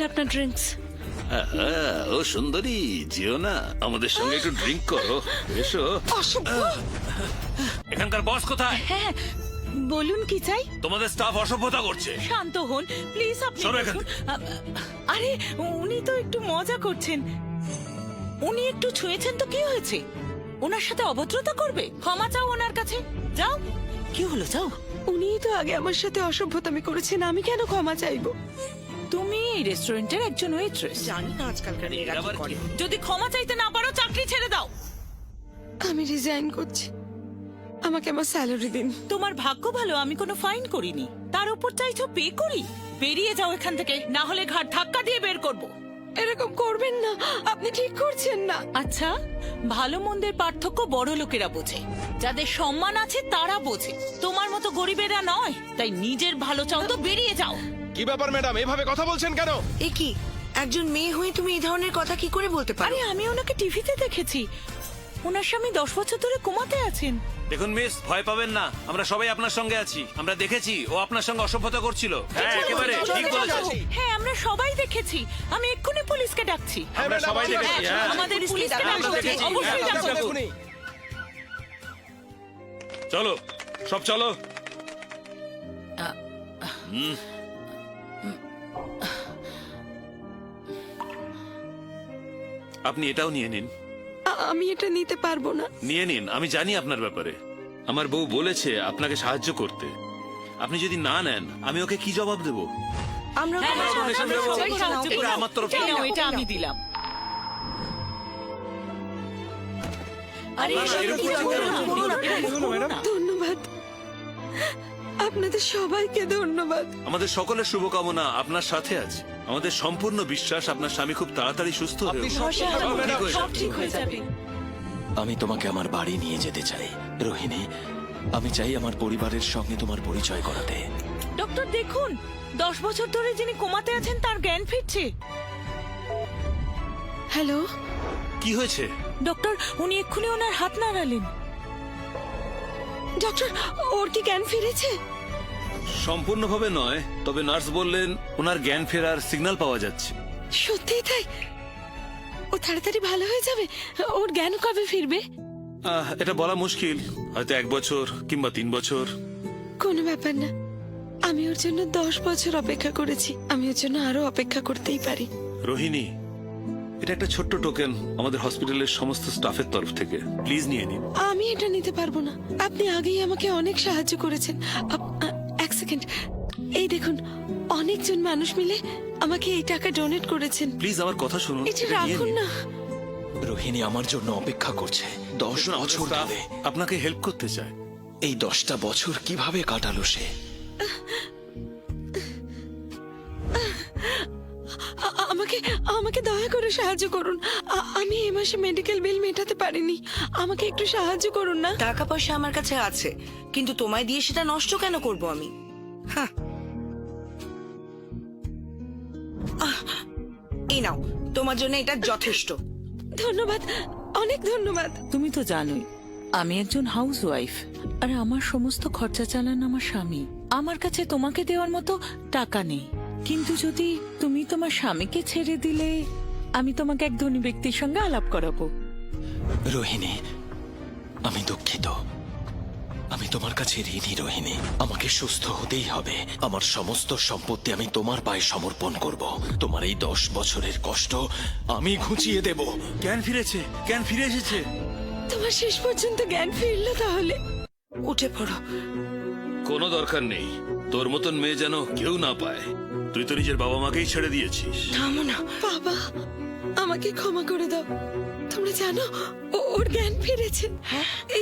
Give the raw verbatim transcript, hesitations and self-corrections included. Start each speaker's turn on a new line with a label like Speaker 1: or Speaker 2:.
Speaker 1: আপনার ড্রিঙ্কস।
Speaker 2: ও সুন্দরী, যেও না, আমাদের সঙ্গে একটু ড্রিঙ্ক করো, এসো। এখানকার বস কোথায়?
Speaker 1: হ্যাঁ, বলুন কি চাই।
Speaker 2: তোমাদের স্টাফ অসভ্যতা করছে।
Speaker 1: শান্ত হন প্লিজ, আপনি
Speaker 2: সরো এখান
Speaker 1: বসুন। আ- আরে উনি তো একটু মজা করছেন। উনি একটু ছুঁয়েছেন তো কি হয়েছে? ওনার সাথে অভদ্রতা করবে? ক্ষমা চাও ওনার কাছে, যাও। কি হলো, যাও।
Speaker 3: উনিই তো আগে আমার সাথে অসভ্যতামি করেছেন, আমি কেন ক্ষমা চাইবো?
Speaker 1: তুমি এই রেস্টুরেন্টের একজন ওয়েট্রেস।
Speaker 3: জানি না আজকালকার মেয়েরা কি
Speaker 2: আবার কি?
Speaker 3: করে।
Speaker 1: যদি ক্ষমা চাইতে না পারো চাকরি ছেড়ে দাও।
Speaker 3: আমি রিজাইন করছি, আমাকে আমার স্যালারি দিন।
Speaker 1: তোমার ভাগ্য ভালো আমি কোনো ফাইন করিনি, তার উপর চাইছো পে করি। বেরিয়ে যাও এখান থেকে, না হলে ঘাট ধাক্কা দিয়ে বের করব।
Speaker 3: এরকম করবেন না, আপনি ঠিক করছেন না।
Speaker 1: আচ্ছা, ভালো মন্দের পার্থক্য বড় লোকেরা বোঝে, যাদের সম্মান আছে তারা বোঝে, তোমার মতো গরিবেরা নয়। তাই নিজের ভালো চাও তো বেরিয়ে যাও।
Speaker 4: কি ব্যাপার ম্যাডাম, এভাবে কথা বলছেন কেন?
Speaker 5: এ কি, একজন মেয়ে হয়ে তুমি এই ধরনের কথা কি করে বলতে পারো?
Speaker 1: আরে আমি ওনাকে টিভিতে দেখেছি, ওনার স্বামী দশ বছর ধরে কোমাতে আছেন।
Speaker 2: দেখুন মিস, ভয় পাবেন না, আমরা সবাই আপনার সঙ্গে আছি। আমরা দেখেছি ও আপনার সঙ্গে অসভ্যতা করছিল। হ্যাঁ, একেবারে ঠিক বলেছেন।
Speaker 1: হ্যাঁ, আমরা সবাই দেখেছি। আমি এক্ষুনি পুলিশকে ডাকছি।
Speaker 2: আমরা সবাই দেখেছি। হ্যাঁ,
Speaker 1: আমাদের পুলিশকে
Speaker 2: আমরা
Speaker 1: ডাকো,
Speaker 2: দেখেছি।
Speaker 1: অবশ্যই
Speaker 2: হ্যাঁ,
Speaker 1: ডাকো।
Speaker 4: এখনই।
Speaker 2: চলো, সব চলো। আপনি এটাও নিয়ে নিন।
Speaker 3: আ- আমি এটা নিতে পারবো না।
Speaker 2: নিয়ে নিন, আমি জানি আপনার ব্যাপারে। আমার বউ বলেছে আপনাকে সাহায্য করতে। আপনি যদি না নেন, আমি ওকে কি জবাব দেব?
Speaker 5: আমরা
Speaker 1: হ্যাঁ,
Speaker 5: তোমার
Speaker 1: হ্যাঁ,
Speaker 5: সাহায্য
Speaker 1: আমরা
Speaker 5: করবো।
Speaker 1: সবাই
Speaker 5: এটা
Speaker 1: সাহায্য
Speaker 5: নাও,
Speaker 2: এটা আমার তরফ থেকে।
Speaker 1: এই নাও, এটা
Speaker 5: এই
Speaker 1: আমি
Speaker 5: নাও।
Speaker 1: দিলাম। আরে
Speaker 4: না, না, এরকম
Speaker 1: এরকম
Speaker 4: করো না,
Speaker 1: করো না,
Speaker 4: এরকম করো না, ম্যাডাম।
Speaker 3: ধন্যবাদ, আপনাদের সবাইকে ধন্যবাদ।
Speaker 2: আমাদের সকলের শুভকামনা আপনার সাথে আছে। আমাদের সম্পূর্ণ বিশ্বাস আপনার স্বামী খুব তাড়াতাড়ি সুস্থ হয়ে
Speaker 4: আপনি
Speaker 2: উঠবে।
Speaker 4: সব
Speaker 1: ভরসা
Speaker 4: ঠিক
Speaker 1: রাখো,
Speaker 4: হবে, ম্যাডাম।
Speaker 1: সব ঠিক হয়ে যাবে।
Speaker 6: আমি তোমাকে আমার বাড়ি নিয়ে যেতে চাই রোহিণী। আমি চাই আমার পরিবারের সঙ্গে তোমার পরিচয় করাতে।
Speaker 1: ডক্টর দেখুন, দশ বছর ধরে যিনি কোমাতে আছেন তার জ্ঞান ফিরছে।
Speaker 3: হ্যালো,
Speaker 2: কি হয়েছে?
Speaker 1: ডক্টর, উনি এক্ষুনি ওনার হাত নাড়ালেন।
Speaker 3: ডক্টর, ওর কি জ্ঞান ফিরেছে?
Speaker 2: সম্পূর্ণভাবে নয়, তবে নার্স বললেন ওনার জ্ঞান ফেরার সিগন্যাল পাওয়া যাচ্ছে।
Speaker 3: সত্যিই তাই? ও তাড়াতাড়ি ভালো হয়ে যাবে? ওর জ্ঞান কবে ফিরবে?
Speaker 2: আহ, এটা বলা মুশকিল, হয়তো এক বছর কিংবা তিন বছর।
Speaker 3: কোনো ব্যাপার না, আমি ওর জন্য দশ বছর অপেক্ষা করেছি, আমি ওর জন্য আরো অপেক্ষা করতেই পারি।
Speaker 2: রোহিণী, এটা একটা ছোট্ট টোকেন আমাদের হসপিটালের সমস্ত স্টাফের তরফ থেকে। প্লিজ নিয়ে নিন।
Speaker 3: আমি এটা নিতে পারবো না, আপনি আগেই আমাকে অনেক সাহায্য করেছেন। আপ- আ- এক সেকেন্ড, এই দেখুন, অনেকজন মানুষ মিলে আমাকে এই টাকা ডোনেট করেছেন।
Speaker 2: প্লিজ আমার কথা শুনুন।
Speaker 3: এটা
Speaker 2: এটা নিয়ে
Speaker 3: রাখুন
Speaker 2: নিন।
Speaker 3: না।
Speaker 6: রোহিণী আমার জন্য অপেক্ষা করছে দশ
Speaker 2: দেখুন, আমাদের
Speaker 6: বছর
Speaker 2: staff
Speaker 6: ধরে।
Speaker 2: আপনাকে হেল্প করতে চায়।
Speaker 6: এই দশটা বছর কিভাবে কাটালো সে?
Speaker 3: আ- আমাকে আমাকে দয়া করে সাহায্য করুন, আ- আমি এই মাসে মেডিকেল বিল মেটাতে পারিনি, আমাকে একটু সাহায্য করুন না।
Speaker 5: টাকা পয়সা আমার কাছে আছে, কিন্তু তোমায় দিয়ে সেটা নষ্ট কেন করব আমি? হ্যাঁ, আহ, এই নাও, তোমার জন্য এটা যথেষ্ট।
Speaker 3: ধন্যবাদ, অনেক ধন্যবাদ।
Speaker 1: তুমি তো জানোই আমি একজন হাউস ওয়াইফ, আর আমার সমস্ত খরচা চালান আমার স্বামী। আমার কাছে তোমাকে দেওয়ার মতো টাকা নেই, কিন্তু যদি তুমি তোমার স্বামীকে ছেড়ে দিলে আমি তোমাকে এক ধনী ব্যক্তির সঙ্গে আলাপ করাবো।
Speaker 6: রোহিণী, আমি দুঃখিত, আমি তোমার কাছে ঋণী রোহিণী। আমাকে সুস্থ হতেই হবে। আমার সমস্ত সম্পত্তি আমি তোমার পায়ে সমর্পণ করব। তোমার এই দশ বছরের কষ্ট আমি ঘুচিয়ে দেব।
Speaker 2: জ্ঞান ফিরেছে, জ্ঞান ফিরে এসেছে।
Speaker 3: তোমার শেষ পর্যন্ত জ্ঞান ফিরলো তাহলে?
Speaker 5: উঠে পড়ো।
Speaker 2: কোনো দরকার নেই, তোর মতন মেয়ে যেন কেউ না পায়। তুই তো নিজের বাবা মাকেই ছেড়ে দিয়েছিস।
Speaker 5: থামো না।
Speaker 3: বাবা, আমাকে ক্ষমা করে দাও। তোমরা জানো ও- ওর জ্ঞান ফিরেছে।
Speaker 5: হ্যাঁ,